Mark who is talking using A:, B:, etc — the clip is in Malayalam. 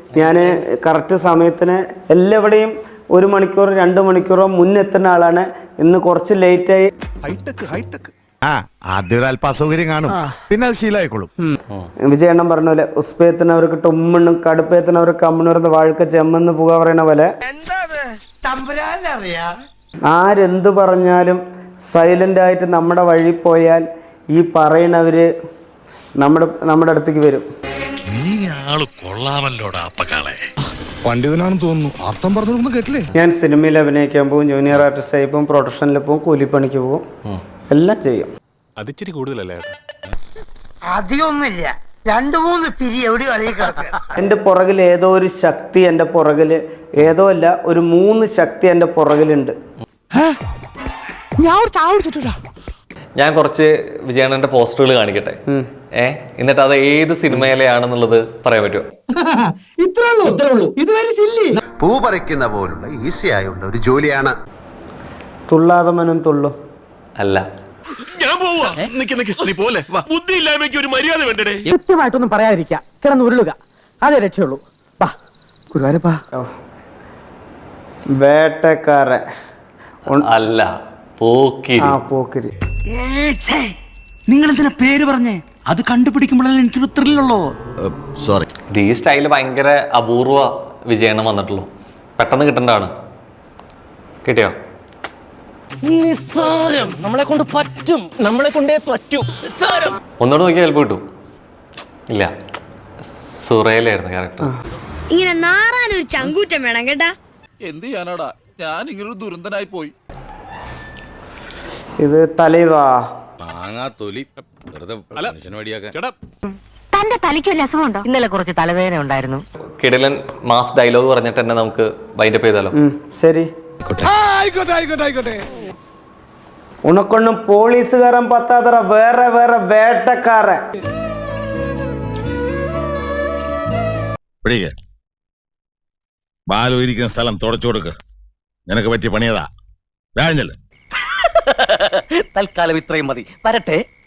A: ഞാൻ കറക്റ്റ് സമയത്തിന് എല്ലാവിടെയും 1 മണിക്കൂർ 2 മണിക്കൂറോ മുന്നെത്തുന്ന ആളാണ്. ഇന്ന് കുറച്ച് ലേറ്റായി.
B: ആദ്യം അല്പ അസൗകര്യം കാണും, പിന്നെ അത് ശീലമായിക്കോളും.
A: വിജയണ്ണം പറഞ്ഞ പോലെ ഉസ്പേത്തിനവർക്ക് ഉമ്മണ്ണും കടുപ്പേത്തിനവർക്ക് അമ്മണൂർന്ന് വാഴക്ക ചെമ്മെന്ന് പുക പറയണ പോലെ ആരെന്ത് പറഞ്ഞാലും സൈലന്റ് ആയിട്ട് നമ്മുടെ വഴി പോയാൽ ഈ പറയണവര് നമ്മുടെ അടുത്തേക്ക് വരും.
C: നീ ആള് കൊള്ളാമല്ലോടാ അപ്പക്കാളെ.
B: പണ്ഡിതനാണെന്ന് തോന്നുന്നു. അർത്ഥം പറഞ്ഞൊന്നും കേട്ടില്ലേ?
A: ഞാൻ സിനിമയിൽ അഭിനയിക്കാൻ പോകും, ജൂനിയർ ആർട്ടിസ്റ്റായി പോകും, പ്രൊഡക്ഷനിൽ പോകും, കൂലിപ്പണിക്ക് പോകും, എല്ലാം ചെയ്യും.
C: അതിച്ചിരി കൂടുതലല്ലേ?
D: അധികമൊന്നുമില്ല, 2-3 പിരി എവിടെ
A: എൻ്റെ പുറകിൽ ഏതോ ഒരു ശക്തി, എൻ്റെ പുറകിൽ ഏതോ അല്ല, ഒരു 3 ശക്തി എൻ്റെ പുറകിലുണ്ട്.
E: ഞാൻ കുറച്ച് വിജയണ്ണന്റെ പോസ്റ്ററുകൾ കാണിക്കട്ടെ. എന്നിട്ട് അത് ഏത് സിനിമയിലെയാണെന്നുള്ളത് പറയാൻ പറ്റുമോ?
F: പൂ പറിക്കുന്ന പോലുള്ള ഈസി ആയുള്ള ഒരു ജോലിയാണ്.
A: തുള്ളാതെ മനം തുള്ളു
E: അല്ല.
C: ഞാൻ പോവാ. നീ പോലെ ബുദ്ധി ഇല്ലായ്മയ്ക്ക് ഒരു മര്യാദ വേണ്ടേ?
D: കൃത്യമായിട്ടൊന്നും പറയാതിരിക്കുക, കിടന്ന് ഉരുളുക, അതേ രക്ഷയുള്ളൂ. ഗുരുവായൂരപ്പാ.
A: വേട്ടക്കാരൻ
E: അല്ല, പോക്കിരി.
A: പോക്കിരി.
G: നിങ്ങൾ എന്തിനാ പേര് പറഞ്ഞേ? അത് കണ്ടുപിടിക്കുമ്പോഴല്ലേ എനിക്കൊരു ത്രില്ലുള്ളൂ. സോറി.
E: ഈ സ്റ്റൈല് ഭയങ്കര അപൂർവ വിജയണ്ണം വന്നിട്ടുള്ളൂ. പെട്ടെന്ന് കിട്ടേണ്ടതാണ്. കിട്ടിയോ?
D: നിസ്സാരം, നമ്മളെ കൊണ്ട് പറ്റും, നമ്മളെ കൊണ്ടേ പറ്റൂ.
E: ഒന്നുകൂടെ നോക്കിയാൽ ചിലപ്പോൾ കിട്ടും. ഇല്ല, സുറയിലായിരുന്നു ക്യാരക്ടർ.
H: ഇങ്ങനെ നാറാനൊരു ചങ്കൂറ്റം വേണം കേട്ടാ.
I: എന്ത് ചെയ്യാനാടാ, ഞാൻ ഇങ്ങനൊരു ദുരന്തനായി പോയി.
A: ഇത് തലൈവാ
I: മാങ്ങാത്തൊലി വെറുതെ മനുഷ്യനോടിയാക്കാൻ.
H: തന്റെ തലയ്ക്ക് വല്ല അസുഖമുണ്ടോ?
D: ഇന്നലെ കുറച്ച് തലവേദന ഉണ്ടായിരുന്നു.
E: കിടിലൻ മാസ് ഡയലോഗ് പറഞ്ഞിട്ട് തന്നെ നമുക്ക് വൈൻഡപ്പ് ചെയ്താലോ?
A: ശരി. ഉണക്കൊണ്ണും പോലീസുകാരൻ പത്താതറ വേറെ വേറെ വേട്ടക്കാരൻ.
B: ബാലു ഇരിക്കുന്ന സ്ഥലം തുടച്ചു കൊടുക്ക്. നിനക്ക് പറ്റിയ പണിയതാ.
D: തൽക്കാലം ഇത്രയും മതി. വരട്ടെ.